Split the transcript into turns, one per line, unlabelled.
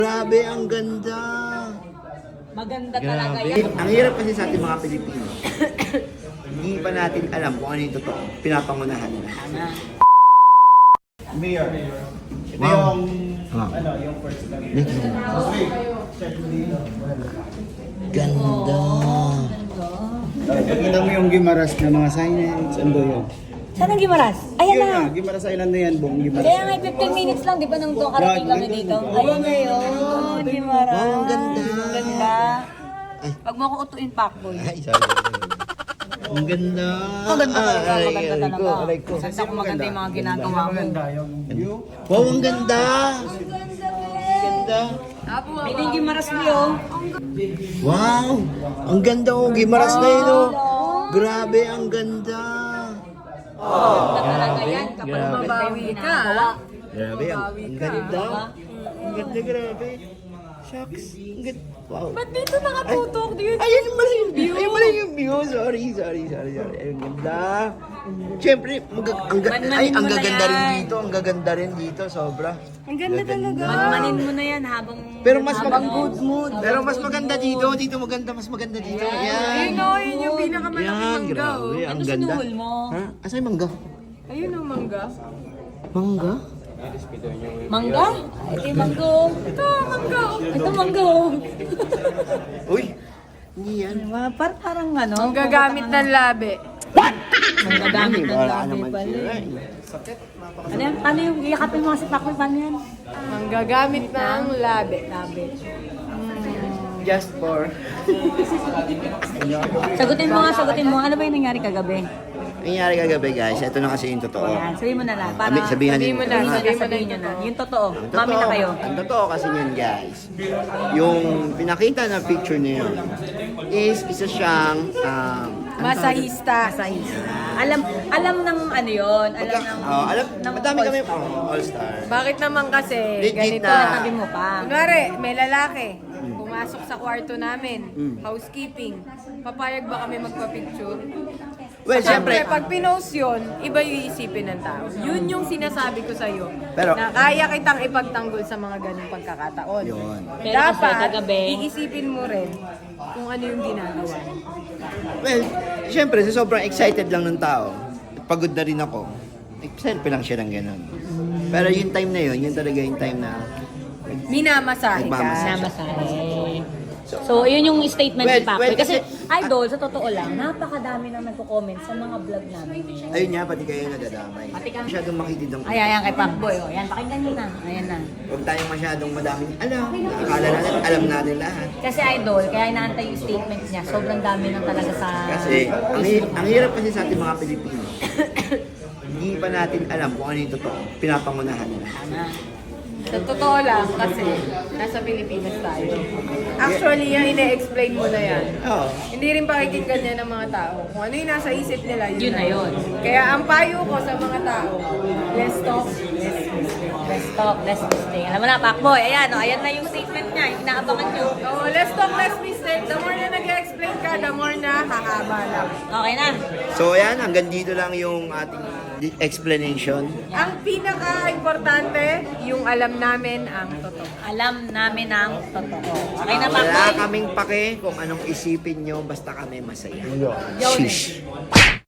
Grabe, ang ganda.
Maganda talaga yan.
Ang hirap kasi sa ating mga Pilipino. Hindi pa natin alam kung ano yung totoo. Pinapangunahan na.
Mayor. Ito
Wow.
yung first time.
Ganda.
Pakita mo yung Gimaras na mga signage, ando yun.
Saan ang Gimaras? Ayan
Yun
na.
na, Gimaras Island na yan, buong Gimaras.
Kaya nga 15 minutes lang, di ba nung karating kami dito? Ayun na yun, Gimaras.
Wow, ang ganda.
Ang ganda.
Ay.
Pag mo ako utuin, Pacboy.
Ay, sorry. Ang ganda.
Maganda talaga,
Aray,
maganda
aray ko,
talaga.
aray ko.
Ganda kung maganda yung mga ginagawa mo.
yung view.
Wow, ang ganda. Ganda.
Ito yung Gimaras niyo.
Wow, ang ganda oh. Gimaras na yun oh. Grabe, ang ganda.
Ganda talaga yan. Kapag
Grabe.
mabawi ka.
Grabe, ang ganda. Ang ganda, grabe. Shucks. Ang ganda. Wow.
Ba't dito nakatutok?
Ayun pala yung view. Ayun pala yung view. Sorry. Ang ganda. Siyempre, ang gaganda rin dito. Ang gaganda rin dito. Sobra.
Ang ganda talaga. Manmanin mo na yan habang
Pero mas
habang
maganda.
good mood.
Pero mas maganda dito. Dito maganda. Mas maganda dito. Yan.
Yun yung pinakamalaking
Yan,
mangga.
grabe.
Oh.
Ang
Ano
ganda.
sinuhol mo?
Ha? Asa yung mangga?
Ayun ang mangga.
Mangga?
Mangga? Ito yung manggo.
Ito, mangga.
Ito manggo.
Uy. Hindi yan.
Parang ano?
Ang gagamit ng labi.
Manggagamit ng
Wala
labi
naman
pala.
sila.
Ano yan? Paano yung iyakapin mo si Paco? Paano yan?
Ang gagamit ng labi.
Labi.
Just for...
Sagutin mo nga, sagutin mo. Ano ba yung nangyari kagabi?
Nangyari kagabi guys, ito na kasi yung totoo.
Yan, sabihin mo na lang. Para
Sabihin
mo na,
sabihin nyo na. Yung totoo. Mami na kayo.
Ang totoo kasi yun guys, yung pinakita na picture na yun is isa siyang
Masahista.
Alam ng ano yun. Alam ng
madami kami all-star.
Bakit naman kasi
Legit
ganito?
na.
Sabi mo pa.
Kunwari, may lalaki. Pumasok sa kwarto namin. Housekeeping. Papayag ba kami magpa-picture?
Well,
Siyempre,
siyempre,
pag pinost yun, iba yung isipin ng tao. Yun yung sinasabi ko sa'yo.
Pero-
na kaya kitang ipagtanggol sa mga ganung pagkakataon.
Yun.
Pero kasi
Dapat,
kagabi-
iisipin mo rin kung ano yung ginagawa.
well, siyempre, sa sobrang excited lang ng tao, pagod na rin ako, selfie lang siya ng gano'n. Pero yung time na yun, yun talaga yung time na,
Minamasahe ka.
Nagmamasahe.
Namasahe. So, yun yung statement ni
Well,
Paco.
well,
kasi,
kasi-
idol, sa totoo lang, napakadami nang nagko-comment sa mga vlog namin.
ayun nga, pati kayo nadadamay.
Pati kami.
Masyadong makitid ang...
Ayan kay Pacboy. Oh. Ayan, pakinggan nyo na. Ayan na.
Huwag tayong masyadong madaming alam. Akala natin, alam natin lahat.
Kasi idol, kaya inaantay yung statement niya. Sobrang dami nang talaga sa...
Kasi, ang hirap kasi sa ating mga Pilipino. Hindi pa natin alam kung ano yung totoo. Pinapangunahan na.
Sana.
Sa totoo lang, kasi nasa Pilipinas tayo. Actually, yung ine-explain mo na yan.
Oo.
Hindi rin pakikinggan niya ng mga tao. Kung ano yung nasa isip nila,
Yun na yun.
Kaya ang payo ko sa mga tao, less talk, less mistake.
Let's talk, let's mistake. Alam mo na, Pacboy. Ayan, oh, ayan na yung statement niya. Yung inaabangan nyo.
Oo, less talk, less mistake. The more na nag-explain ka, the more na hahaba lang.
Okay na.
So, ayan, hanggang dito lang yung ating explanation.
Ang pinaka-importante, yung alam namin ang totoo.
Alam namin ang totoo. Okay na,
Wala
Pacboy?
kaming pake kung anong isipin nyo, basta kami masaya.
Yun eh.
Shish.